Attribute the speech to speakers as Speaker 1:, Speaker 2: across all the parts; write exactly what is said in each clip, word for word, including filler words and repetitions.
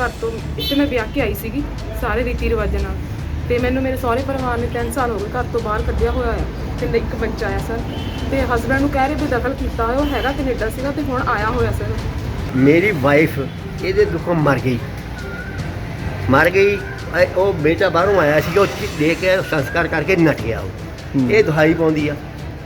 Speaker 1: घर तो इत्थे मैं ब्याह के आई सीगी सारे रीति रिवाजां नाल ते मैनूं मेरे सहुरे परिवार ने तीन साल हो गए घर तो बाहर कढ़िया होया है ते एक बच्चा आया सर ते हसबैंड नूं कह रहे भी दखल कीता होया ओह हैगा कनेडा सीगा ते हुण आया होया सर।
Speaker 2: मेरी वाइफ ਇਹਦੇ ਦੁੱਖੋਂ ਮਰ ਗਈ ਮਰ ਗਈ ਉਹ ਬੇਟਾ ਬਾਹਰੋਂ ਆਇਆ ਸੀ ਉਹ ਦੇ ਕੇ ਸੰਸਕਾਰ ਕਰਕੇ ਨੱਠ ਗਿਆ ਉਹ ਇਹ ਦੁਹਾਈ ਪਾਉਂਦੀ ਆ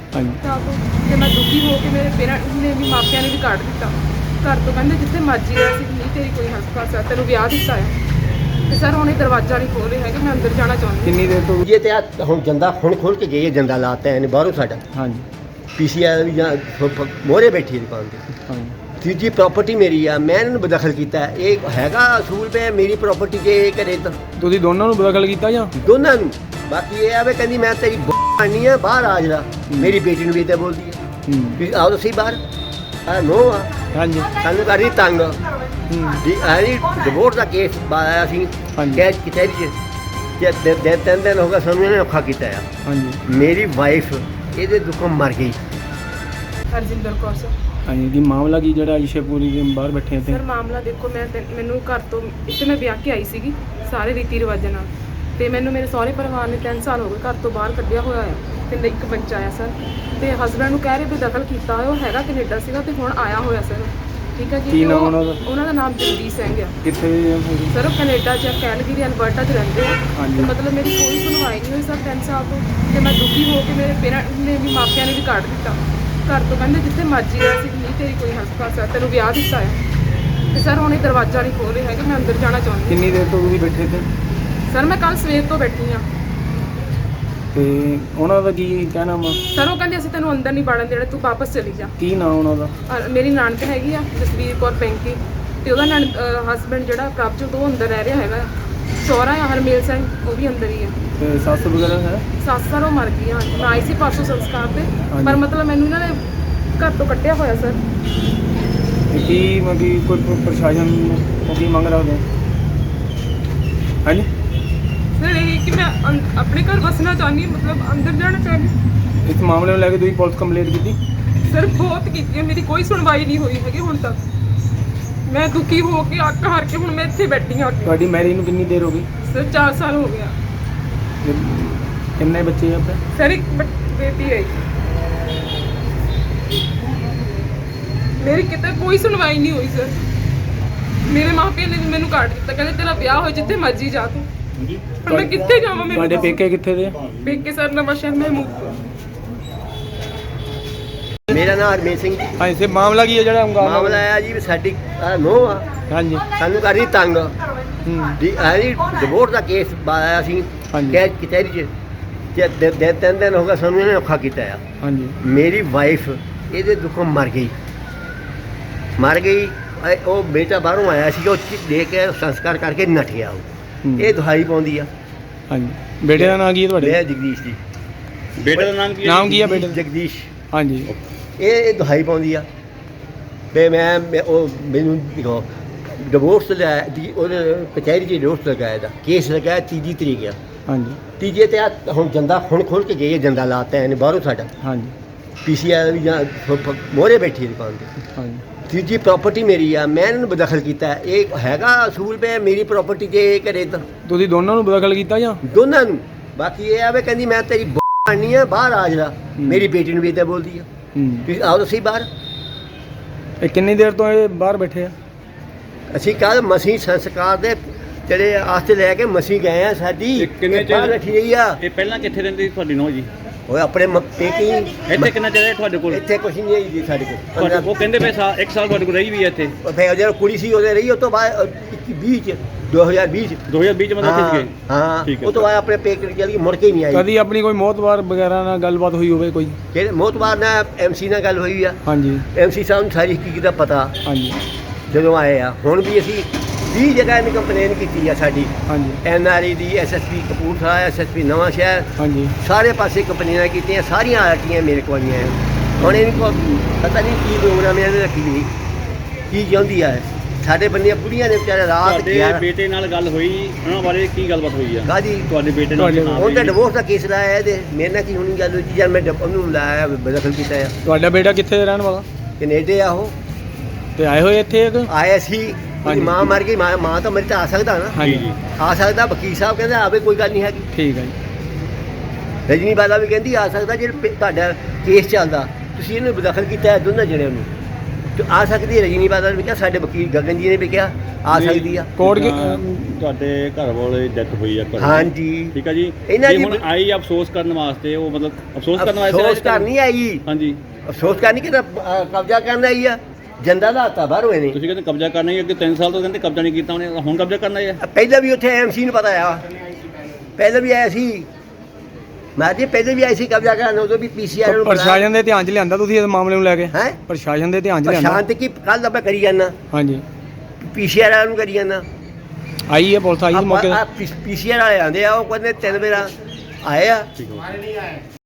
Speaker 1: ਤੇ ਮੈਂ ਦੁਖੀ ਹੋ ਕੇ ਮੇਰੇ ਪੇਰੈਂਟਸ ਨੇ ਵੀ ਮਾਪਿਆਂ ਨੇ ਵੀ ਕੱਢ ਦਿੱਤਾ ਘਰ ਤੋਂ ਕਹਿੰਦੇ ਜਿੱਥੇ ਮਰਜ਼ੀ ਰਹਿ ਸੀ ਨਹੀਂ ਤੇਰੀ ਕੋਈ ਹੱਕ ਪਾਸਾ ਤੈਨੂੰ ਵਿਆਹ ਦਿੱਤਾ ਹੈ ਤੇ ਸਰ ਹੁਣ ਇਹ ਦਰਵਾਜ਼ਾ ਨਹੀਂ ਖੋਲ ਰਹੇ ਹੈਗੇ ਮੈਂ ਅੰਦਰ ਜਾਣਾ ਚਾਹੁੰਦੀ
Speaker 2: ਕਿੰਨੀ ਦੇਰ ਤੋਂ ਇਹ ਤੇ ਆ ਹੁਣ ਜੰਦਾ ਹੁਣ ਖੋਲ ਕੇ ਗਈ ਹੈ ਜੰਦਾ ਲਾਤਾ ਇਹਨੇ ਬਾਹਰੋਂ ਸਾਡਾ
Speaker 3: ਹਾਂਜੀ
Speaker 2: ਪੀਸੀਆਰ ਵੀ ਜਾਂ ਮੋਹਰੇ ਬੈਠੀ ਦੁਕਾਨ ਤੇ
Speaker 3: ਹਾਂਜੀ
Speaker 2: ਤੀਜੀ ਪ੍ਰਾਪਰਟੀ ਮੇਰੀ ਆ ਮੈਂ ਇਹਨੂੰ ਬਦਖਲ ਕੀਤਾ ਇਹ ਹੈਗਾ ਅਸੂਲ ਪੇ ਮੇਰੀ ਪ੍ਰਾਪਰਟੀ ਜੇ ਇਹ ਕਰੇ ਤਾਂ
Speaker 3: ਤੁਸੀਂ ਦੋਨਾਂ ਨੂੰ ਬਦਖਲ ਕੀਤਾ ਜਾਂ
Speaker 2: ਦੋਨਾਂ ਨੂੰ ਬਾਕੀ ਇਹ ਆਵੇ ਕਹਿੰਦੀ ਮੈਂ ਤੇਰੀ ਬਾਣੀ ਆ ਬਾਹਰ ਆ ਜਰਾ ਮੇਰੀ ਬੇਟੀ ਨੂੰ ਵੀ ਤੇ ਬੋਲਦੀ ਹੈ ਵੀ ਆਓ ਤੁਸੀਂ ਬਾਹਰ ਆ ਨੋ ਆ
Speaker 3: ਹਾਂਜੀ
Speaker 2: ਸਾਨੂੰ ਕਰੀ ਤੰਗ ਜੀ ਆਈ ਡਿਵੋਰਸ ਦਾ ਕੇਸ ਆਇਆ ਸੀ ਕੈਚ ਕਿਤੇ ਜੇ ਦੇ ਤਿੰਨ ਦਿਨ ਹੋ ਗਏ ਸਾਨੂੰ ਇਹਨੇ ਔਖਾ ਕੀਤਾ ਆ
Speaker 3: ਹਾਂਜੀ
Speaker 2: ਮੇਰੀ ਵਾਈਫ ਇਹਦੇ ਦੁੱਖੋਂ ਮਰ ਗਈ
Speaker 1: ਹਰਜਿੰਦਰ ਕੌਰ ਸਰ।
Speaker 3: ਹਾਂਜੀ ਕੀ ਮਾਮਲਾ ਕੀ ਜਿਹੜਾ ਇਸ਼ੇਪੂਰੀ ਦੇ ਬਾਹਰ ਬੈਠੇ ਤੇ
Speaker 1: ਸਰ ਮਾਮਲਾ ਦੇਖੋ ਮੈਂ ਤੇ- ਮੈਨੂੰ ਘਰ ਤੋਂ ਇੱਥੇ ਮੈਂ ਵਿਆਹ ਕੇ ਆਈ ਸੀਗੀ ਸਾਰੇ ਰੀਤੀ ਰਿਵਾਜਾਂ ਨਾਲ ਤੇ ਮੈਨੂੰ ਮੇਰੇ ਸਹੁਰੇ ਪਰਿਵਾਰ ਨੇ ਤਿੰਨ ਸਾਲ ਹੋ ਗਏ ਘਰ ਤੋਂ ਬਾਹਰ ਕੱਢਿਆ ਹੋਇਆ ਹੈ ਤੇ ਇੱਕ ਬੱਚਾ ਆਇਆ ਸਰ ਤੇ ਹਸਬੈਂਡ ਨੂੰ ਕਹਿ ਰਹੇ ਵੀ ਦਖਲ ਕੀਤਾ ਹੋਇਆ ਉਹ ਹੈਗਾ ਕੈਨੇਡਾ ਸੀਗਾ ਤੇ ਹੁਣ ਆਇਆ ਹੋਇਆ ਸਰ ਠੀਕ ਹੈ ਜੀ।
Speaker 3: ਕੀ
Speaker 1: ਤੇ
Speaker 3: ਨਾਮ
Speaker 1: ਉਹ-
Speaker 3: ਉਹਨਾਂ ਦਾ?
Speaker 1: ਉਹਨਾਂ ਦਾ ਨਾਮ ਜਗਦੀਸ਼ ਸਿੰਘ ਆ
Speaker 3: ਕਿੱਥੇ ਦੇ ਹੈਗੇ?
Speaker 1: ਸਰ ਉਹ ਕੈਨੇਡਾ 'ਚ ਕੈਲਗਰੀ ਅਲਬਰਟਾ 'ਚ ਰਹਿੰਦੇ ਆ
Speaker 3: ਹਾਂਜੀ।
Speaker 1: ਤੇ ਮਤਲਬ ਮੇਰੀ ਕੋਈ ਸੁਣਵਾਈ ਨਹੀਂ ਹੋਈ ਸਰ ਤਿੰਨ ਸਾਲ ਤੋਂ ਤੇ ਮੈਂ ਦੁਖੀ ਹੋ ਕੇ ਮੇਰੇ ਪੇਰੈਂਟਸ ਨੇ ਵੀ ਮਾਪਿਆਂ ਨੇ ਵੀ ਕੱਢ ਦਿੱਤਾ ਘਰ ਤੋਂ ਕਹਿੰਦੇ ਜਿੱਥੇ ਮਰਜ਼ੀ ਰਹਿ ਸੀ ਨਹੀਂ ਤੇਰੀ ਕੋਈ ਹੱਕ ਪਾਸਾ ਤੈਨੂੰ ਵਿਆਹ ਦਿੱਤਾ ਹੈ ਤੇ ਸਰ ਹੁਣ ਇਹ ਦਰਵਾਜ਼ਾ ਨਹੀਂ ਖੋਲ ਰਹੇ ਹੈਗੇ ਮੈਂ ਅੰਦਰ ਜਾਣਾ ਚਾਹੁੰਦੀ
Speaker 3: ਕਿੰਨੀ ਦੇਰ ਤੋਂ ਤੁਸੀਂ ਬੈਠੇ ਤੇ
Speaker 1: ਸਰ ਮੈਂ ਕੱਲ ਸਵੇਰ ਤੋਂ ਬੈਠੀ ਹਾਂ
Speaker 3: ਤੇ ਉਹਨਾਂ ਦਾ ਕੀ ਕਹਿਣਾ ਵਾ
Speaker 1: ਸਰ ਉਹ ਕਹਿੰਦੇ ਅਸੀਂ ਤੈਨੂੰ ਅੰਦਰ ਨਹੀਂ ਵੜਨ ਦੇਣਾ ਤੂੰ ਵਾਪਸ ਚਲੀ ਜਾ।
Speaker 3: ਕੀ ਨਾਮ ਉਹਨਾਂ ਦਾ?
Speaker 1: ਔਰ ਮੇਰੀ ਨਾਨਕ ਹੈਗੀ ਆ ਜਸਵੀਰ ਕੌਰ ਪੈਂਕੀ ਤੇ ਉਹਦਾ ਨਣ ਹਸਬੈਂਡ ਜਿਹੜਾ ਪ੍ਰਭਜੋਤ ਉਹ ਅੰਦਰ ਰਹਿ ਰਿਹਾ ਹੈਗਾ ਆ। ਸਹੁਰਾ ਆ ਹਰਮੇਲ ਸਿੰਘ ਉਹ ਵੀ ਅੰਦਰ ਹੀ ਆ
Speaker 3: ਤੇ ਸੱਸ ਵਗੈਰਾ ਹੈ?
Speaker 1: ਸੱਸ ਸਰ ਉਹ ਮਰ ਗਈ ਆ ਹਾਂਜੀ ਮੈਂ ਆਈ ਸੀ ਪਰਸੋਂ ਸੰਸਕਾਰ ਤੇ
Speaker 3: ਹਾਂਜੀ।
Speaker 1: ਪਰ ਮਤਲਬ ਮੈਨੂੰ ਇਹਨਾਂ ਨੇ ਘਰ ਤੋਂ ਕੱਢਿਆ ਹੋਇਆ ਸਰ।
Speaker 3: ਤੇ ਕੀ ਮਗੀ ਕੋਈ ਪ- ਪ੍ਰਸ਼ਾਸਨ ਨੂੰ ਕੀ ਮੰਗ ਰੱਖਦੇ ਹਾਂਜੀ
Speaker 1: ਸਰ ਇਹ ਕਿ ਮੈਂ ਅੰ- ਆਪਣੇ ਘਰ ਵਸਣਾ ਚਾਹੁੰਦੀ ਹਾਂ, ਮਤਲਬ ਅੰਦਰ ਜਾਣਾ ਚਾਹੁੰਦੀ
Speaker 3: ਇਸ ਮਾਮਲੇ ਨੂੰ ਲੈ ਕੇ ਤੁਸੀਂ ਪੁਲਿਸ ਕੰਪਲੇਂਟ ਕੀਤੀ?
Speaker 1: ਸਰ ਬਹੁਤ ਕੀਤੀ ਹੈ ਮੇਰੀ ਕੋਈ ਸੁਣਵਾਈ ਨਹੀਂ ਹੋਈ ਹੈਗੀ ਹੁਣ ਤੱਕ ਮੈਂ ਦੁਖੀ ਹੋ ਕੇ ਅੱਕ ਹਾਰ ਕੇ ਹੁਣ ਮੈਂ ਇੱਥੇ ਬੈਠੀ ਹਾਂ
Speaker 3: ਤੁਹਾਡੀ ਮੈਰਿਜ ਨੂੰ ਕਿੰਨੀ ਦੇਰ ਹੋ ਗਈ?
Speaker 1: ਸਰ ਚਾਰ ਸਾਲ ਹੋ ਗਿਆ।
Speaker 3: ਤੇ ਕਿੰਨੇ ਬੱਚੇ ਆ ਆਪਣੇ?
Speaker 1: ਸਰ ਇੱਕ ਬ- ਬੇਟੀ ਹੈ ਮੇਰੀ ਕਿਤੇ ਕੋਈ ਸੁਣਵਾਈ ਨਹੀਂ ਹੋਈ ਸਰ। ਮੇਰੇ ਮਾਪਿਆਂ ਨੇ ਵੀ ਮੈਨੂੰ ਕੱਢ ਦਿੱਤਾ ਕਹਿੰਦੇ ਤੇਰਾ ਵਿਆਹ ਹੋ ਜਿੱਥੇ ਮਰਜ਼ੀ ਜਾ ਤੂੰ ਹੁਣ ਮੈਂ ਕਿੱਥੇ ਜਾਵਾਂ?
Speaker 3: ਤੁਹਾਡੇ
Speaker 1: ਮੇਰੇ
Speaker 3: ਪੇਕੇ ਕਿੱਥੇ ਦੇ ਆ?
Speaker 1: ਪੇਕੇ ਸਰ ਨਵਾਂ ਸ਼ਹਿਰ ਮਹਿਮੂਦ
Speaker 2: ਮੇਰਾ ਨਾਮ ਹਰਮੇਲ ਸਿੰਘ ਜੀ
Speaker 3: ਹਾਂਜੀ ਸੇ ਮਾਮਲਾ ਕੀ ਹੈ ਜਿਹੜਾ ਹੰਗਾਮਾ
Speaker 2: ਮਾਮਲਾ ਆਇਆ ਜੀ ਵੀ ਸਾਡੀ ਨੋ ਆ
Speaker 3: ਹਾਂਜੀ
Speaker 2: ਸਾਨੂੰ ਕਰੀ ਤੰਗ
Speaker 3: ਹੂੰ
Speaker 2: ਜੀ ਆਈ ਡਿਵੋਰਸ ਦਾ ਕੇਸ ਆਇਆ ਸੀ
Speaker 3: ਹਾਂਜੀ।
Speaker 2: ਕੈਚ ਕਿਤੇ ਜੇ ਦੇ ਦੇ ਤਿੰਨ ਦਿਨ ਹੋ ਗਏ ਸਾਨੂੰ ਇਹਨੇ ਔਖਾ ਕੀਤਾ ਆ
Speaker 3: ਹਾਂਜੀ
Speaker 2: ਮੇਰੀ ਵਾਈਫ ਇਹਦੇ ਦੁੱਖੋਂ ਮਰ ਗਈ ਮਰ ਗਈ ਇਹ ਉਹ ਬੇਟਾ ਬਾਹਰੋਂ ਆਇਆ ਸੀ ਉਹ ਦੇ ਕੇ ਸੰਸਕਾਰ ਕਰਕੇ ਨੱਠ ਗਿਆ ਉਹ
Speaker 3: ਹੂੰ।
Speaker 2: ਇਹ ਦੁਹਾਈ ਪਾਉਂਦੀ ਆ
Speaker 3: ਹਾਂਜੀ ਬੇਟੇ ਦਾ ਨਾਂ ਕੀ ਹੈ ਤੁਹਾਡੇ?
Speaker 2: ਮੈਂ ਜਗਦੀਸ਼ ਜੀ
Speaker 4: ਬੇਟੇ ਦਾ ਨਾਮ ਕੀ ਹੈ?
Speaker 3: ਨਾਮ ਕੀ ਹੈ ਬੇਟੇ ਦਾ?
Speaker 2: ਜਗਦੀਸ਼
Speaker 3: ਹਾਂਜੀ
Speaker 2: ਇਹ ਇਹ ਦੁਹਾਈ ਪਾਉਂਦੀ ਆ ਤੇ ਮੈਂ ਮੈਂ ਉਹ ਮੈਨੂੰ ਦੇਖੋ ਡਿਵੋਰਸ ਲਿਆ ਦੀ ਉਹਨੇ ਕਚਹਿਰੀ 'ਚ ਡਿਵੋਰਸ ਲਗਾਇਆ ਦਾ ਕੇਸ ਲਗਾਇਆ ਤੀਜੀ ਤਰੀਕ ਆ
Speaker 3: ਹਾਂਜੀ
Speaker 2: ਤੀਜੇ ਤੇ ਆ ਹੁਣ ਜੰਦਾ ਹੁਣ ਖੋਲ ਕੇ ਗਈ ਹੈ ਜੰਦਾ ਲਾਤਾ ਇਹਨੇ ਬਾਹਰੋਂ ਸਾਡਾ
Speaker 3: ਹਾਂਜੀ
Speaker 2: ਪੀਸੀਆਰ ਵੀ ਜਾਂ ਮੋਹਰੇ ਬੈਠੀ ਦੁਕਾਨ ਤੇ
Speaker 3: ਹਾਂਜੀ
Speaker 2: ਤੀਜੀ ਪ੍ਰਾਪਰਟੀ ਮੇਰੀ ਆ ਮੈਂ ਇਹਨੂੰ ਬਦਖਲ ਕੀਤਾ ਇਹ ਹੈਗਾ ਅਸੂਲ ਪੇ ਮੇਰੀ ਪ੍ਰਾਪਰਟੀ ਜੇ ਇਹ ਕਰੇ ਤਾਂ
Speaker 3: ਤੁਸੀਂ ਦੋਨਾਂ ਨੂੰ ਬਦਖਲ ਕੀਤਾ ਜਾਂ
Speaker 2: ਦੋਨਾਂ ਨੂੰ ਬਾਕੀ ਇਹ ਆਵੇ ਕਹਿੰਦੀ ਮੈਂ ਤੇਰੀ ਬਾਣੀ ਆ ਬਾਹਰ ਆ ਜਰਾ ਮੇਰੀ ਬੇਟੀ ਨੂੰ ਵੀ ਤੇ ਬੋਲਦੀ ਆ
Speaker 3: ਹੂੰ
Speaker 2: ਵੀ ਆਓ ਤੁਸੀਂ ਬਾਹਰ
Speaker 3: ਇਹ ਕਿੰਨੀ ਦੇਰ ਤੋਂ ਇਹ ਬਾਹਰ ਬੈਠੇ ਆ?
Speaker 2: ਅਸੀਂ ਕੱਲ ਮਸੀਂ ਸੰਸਕਾਰ ਦੇ ਜਿਹੜੇ ਆਸਤੇ ਲੈ ਕੇ ਮਸੀਂ ਗਏ ਆ ਸਾਡੀ
Speaker 4: ਇਹ ਕਿੰਨੇ
Speaker 2: ਇਹ ਬਾਹਰ
Speaker 4: ਚਿਰ-
Speaker 2: ਰੱਖੀ ਗਈ ਆ
Speaker 4: ਇਹ ਪਹਿਲਾਂ ਕਿੱਥੇ ਰਹਿੰਦੀ ਸੀ ਤੁਹਾਡੀ ਨੂੰਹ ਜੀ?
Speaker 2: ਉਹ ਆਪਣੇ ਮ- ਪੇਕੀ
Speaker 4: ਇੱਥੇ ਕਿੰਨਾ ਚਿਰ ਹੈ ਤੁਹਾਡੇ ਕੋਲ?
Speaker 2: ਇੱਥੇ ਕੁਛ ਨਹੀਂ ਹੈ ਜੀ ਸਾਡੇ ਕੋਲ
Speaker 4: ਤੁਹਾਡੇ- ਉਹ ਕਹਿੰਦੇ ਪਏ ਸਾਲ ਇੱਕ ਸਾਲ ਤੁਹਾਡੇ ਕੋਲ ਰਹੀ ਵੀ ਹੈ ਇੱਥੇ
Speaker 2: ਉਹ ਫਿਰ ਜਦੋਂ ਕੁੜੀ ਸੀ ਉਹਦੇ ਰਹੀ ਉਹ ਤੋਂ ਬਾਅਦ ਇੱਕੀ ਵੀਹ ਚ ਦੋ ਹਜ਼ਾਰ ਵੀਹ ਚ
Speaker 4: ਦੋ ਹਜ਼ਾਰ ਵੀਹ ਚ ਮਤਲਬ
Speaker 2: ਹਾਂ
Speaker 4: ਇੱਥੇ ਗਏ?
Speaker 2: ਹਾਂ
Speaker 4: ਠੀਕ ਹੈ।
Speaker 2: ਉਹ ਤੋਂ ਬਾਅਦ ਆਪਣੇ ਪੇਕੇ ਚਲੀ ਗਈ ਮੁੜ ਕੇ ਹੀ ਨਹੀਂ ਆਈ
Speaker 3: ਕਦੀ ਆਪਣੀ ਕੋਈ ਮੌਤਬਾਰ ਵਗੈਰਾ ਨਾਲ ਗੱਲਬਾਤ ਹੋਈ ਹੋਵੇ ਕੋਈ?
Speaker 2: ਕਿਹੜੇ ਮੋਤਬਾਰ ਨਾਲ ਐਮਸੀ ਨਾਲ ਗੱਲ ਹੋਈ ਆ
Speaker 3: ਹਾਂਜੀ
Speaker 2: ਐਮਸੀ ਸਾਹਿਬ ਨੂੰ ਸਾਰੀ ਹਕੀਕਤ ਦਾ ਪਤਾ
Speaker 3: ਹਾਂਜੀ
Speaker 2: ਜਦੋਂ ਆਏ ਆ ਹੁਣ ਵੀ ਅਸੀਂ ਵੀਹ ਜਗ੍ਹਾ ਇਹਨੇ ਕੰਪਲੇਨ ਕੀਤੀ ਆ ਸਾਡੀ
Speaker 3: ਹਾਂਜੀ
Speaker 2: ਐਨ ਆਰ ਈ ਦੀ ਐਸਐਸਪੀ ਕਪੂਰਥਲਾ ਐਸਐਸਪੀ ਨਵਾਂ ਸ਼ਹਿਰ
Speaker 3: ਹਾਂਜੀ
Speaker 2: ਸਾਰੇ ਪਾਸੇ ਕੰਪਲੇਨਾਂ ਕੀਤੀਆਂ ਸਾਰੀਆਂ ਆਰਟੀਆਂ ਮੇਰੇ ਕੋਲ ਆਈਆਂ ਹੈ। ਹੁਣ ਇਹਨੂੰ ਕੋ ਪਤਾ ਨਹੀਂ ਕੀ ਪ੍ਰੋਗਰਾਮ ਇਹਨੇ ਰੱਖੀ ਵੀ ਕੀ ਚਾਹੁੰਦੀ ਆ ਸਾਡੇ ਬੰਦੀਆਂ ਬੁੜੀਆਂ ਨੇ ਵਿਚਾਰੇ ਰਾਤ
Speaker 4: ਤੁਹਾਡੇ
Speaker 2: ਗਿਆਰਾਂ
Speaker 4: ਬੇਟੇ ਨਾਲ ਗੱਲ ਹੋਈ ਉਹਨਾਂ ਬਾਰੇ ਕੀ ਗੱਲਬਾਤ ਹੋਈ ਆ?
Speaker 2: ਕਾਹਦੀ
Speaker 4: ਤੁਹਾਡੇ ਬੇਟੇ ਨਾਲ
Speaker 3: ਤੁਹਾਡੇ-
Speaker 4: ਕੀ ਨਾਮ
Speaker 2: ਹੁਣ ਤਾਂ
Speaker 4: ਹੈ?
Speaker 2: ਡਿਵੋਰਸ ਦਾ ਕੇਸ ਲਾਇਆ ਇਹਦੇ ਮੇਰੇ ਨਾਲ ਕੀ ਹੋਣੀ ਗੱਲ ਹੋਈ ਜੀ ਜਦ ਮੈਂ ਡਿਪ- ਉਹਨੂੰ ਲਾਇਆ ਬਦਖਲ ਕੀਤਾ ਆ
Speaker 3: ਤੁਹਾਡਾ ਬੇਟਾ ਕਿੱਥੇ ਦਾ ਰਹਿਣ ਵਾਲਾ?
Speaker 2: ਕੈਨੇਡਾ ਆ ਉਹ
Speaker 3: ਤੇ ਆਏ ਹੋਏ ਇੱਥੇ ਇੱਕ
Speaker 2: ਆਇਆ ਸੀ ਉਹਦੀ ਮਾਂ ਮਰ ਗਈ ਮਾਂ ਮਾਂ ਤਾਂ ਮੇਰੇ ਤਾਂ ਆ ਸਕਦਾ ਨਾ
Speaker 3: ਹਾਂਜੀ
Speaker 4: ਜੀ
Speaker 2: ਆ ਸਕਦਾ ਵਕੀਲ ਸਾਹਿਬ ਕਹਿੰਦੇ ਆਵੇ ਕੋਈ ਗੱਲ ਨਹੀਂ ਹੈਗੀ
Speaker 3: ਠੀਕ ਹੈ ਜੀ
Speaker 2: ਰਜਨੀ ਬਾਲਾ ਵੀ ਕਹਿੰਦੀ ਆ ਸਕਦਾ ਜੇ ਪ- ਤੁਹਾਡਾ ਕੇਸ ਚੱਲਦਾ ਤੁਸੀਂ ਇਹਨੂੰ ਬਦਖਲ ਕੀਤਾ ਹੈ ਦੋਨਾਂ ਜਣਿਆਂ ਨੂੰ ਤੇ ਆ ਸਕਦੀ ਹੈ ਰਜਨੀ ਬਾਲਾ ਨੇ ਵੀ ਕਿਹਾ ਸਾਡੇ ਵਕੀਲ ਗਗਨ ਜੀ ਨੇ ਵੀ ਕਿਹਾ ਆ
Speaker 4: ਜੀ।
Speaker 2: ਸਕਦੀ ਆ
Speaker 3: ਕੋਰਟ ਕੀ
Speaker 4: ਜਿੱਦਾਂ ਤੁਹਾਡੇ ਘਰ ਵਾਲੇ ਡੈਥ ਹੋਈ ਆ ਘਰ ਦੀ।
Speaker 2: ਹਾਂਜੀ
Speaker 4: ਠੀਕ ਆ ਜੀ
Speaker 2: ਇਹਨਾਂ
Speaker 4: ਜੇ
Speaker 2: ਦੀ
Speaker 4: ਹੁਣ ਆਈ ਅਫਸੋਸ ਕਰਨ ਵਾਸਤੇ ਉਹ ਮਤਲਬ ਅਫਸੋਸ ਕਰਨ ਵਾਸਤੇ
Speaker 2: ਅਫਸੋਸ ਕਰ ਨਹੀਂ ਆਈ
Speaker 4: ਹਾਂਜੀ
Speaker 2: ਅਫਸੋਸ ਕਰ ਨਹੀਂ ਕਿ ਕਬਜ਼ਾ ਕਰਨ ਆਈ ਆ ਜੰਦਾ ਦਾ ਹੱਥਾ ਬਾਹਰ ਹੋਏ ਨੇ
Speaker 4: ਤੁਸੀਂ ਕਹਿੰਦੇ ਕਬਜ਼ਾ ਕਰਨਾ ਹੀ ਅੱਗੇ ਤਿੰਨ ਸਾਲ ਤੋਂ ਕਹਿੰਦੇ ਕਬਜ਼ਾ ਨਹੀਂ ਕੀਤਾ ਉਹਨੇ ਹੁਣ ਕਬਜ਼ਾ ਕਰਨਾ ਹੈ
Speaker 2: ਪਹਿਲਾਂ ਵੀ ਉੱਥੇ ਐਮਸੀ ਨੂੰ ਪਤਾ ਆ ਪਹਿਲਾਂ ਵੀ ਆਇਆ ਸੀ ਮੈਂ ਜੀ ਪਹਿਲਾਂ ਵੀ ਆਈ ਸੀ ਕਬਜ਼ਾ ਕਰਨ ਉਦੋਂ ਵੀ ਪੀਸੀਆਰ ਨੂੰ
Speaker 3: ਪ੍ਰਸ਼ਾਸਨ ਦੇ ਧਿਆਨ 'ਚ ਲਿਆਂਦਾ ਤੁਸੀਂ ਇਸ ਮਾਮਲੇ ਨੂੰ ਲੈ ਕੇ
Speaker 2: ਹੈ
Speaker 3: ਪ੍ਰਸ਼ਾਸਨ ਦੇ ਧਿਆਨ 'ਚ ਲਿਆਂਦਾ
Speaker 2: ਸ਼ਾਂਤ ਕੀ ਕੱਲ ਦਾ ਮੈਂ ਕਰੀ ਜਾਂਦਾ
Speaker 3: ਹਾਂਜੀ
Speaker 2: ਪੀਸੀਆਰ ਵਾਲਿਆਂ ਨੂੰ ਕਰੀ ਜਾਂਦਾ
Speaker 3: ਆਈ ਹੈ ਪੁਲਿਸ ਆਈ ਸੀ ਮੌਕੇ ਤੇ
Speaker 2: ਪੀਸੀਆਰ ਵਾਲੇ ਆਂਦੇ ਆ ਉਹ ਕਹਿੰਦੇ ਤਿੰਨ ਵਾਰ ਆਏ ਆ
Speaker 4: ਠੀਕ ਹੈ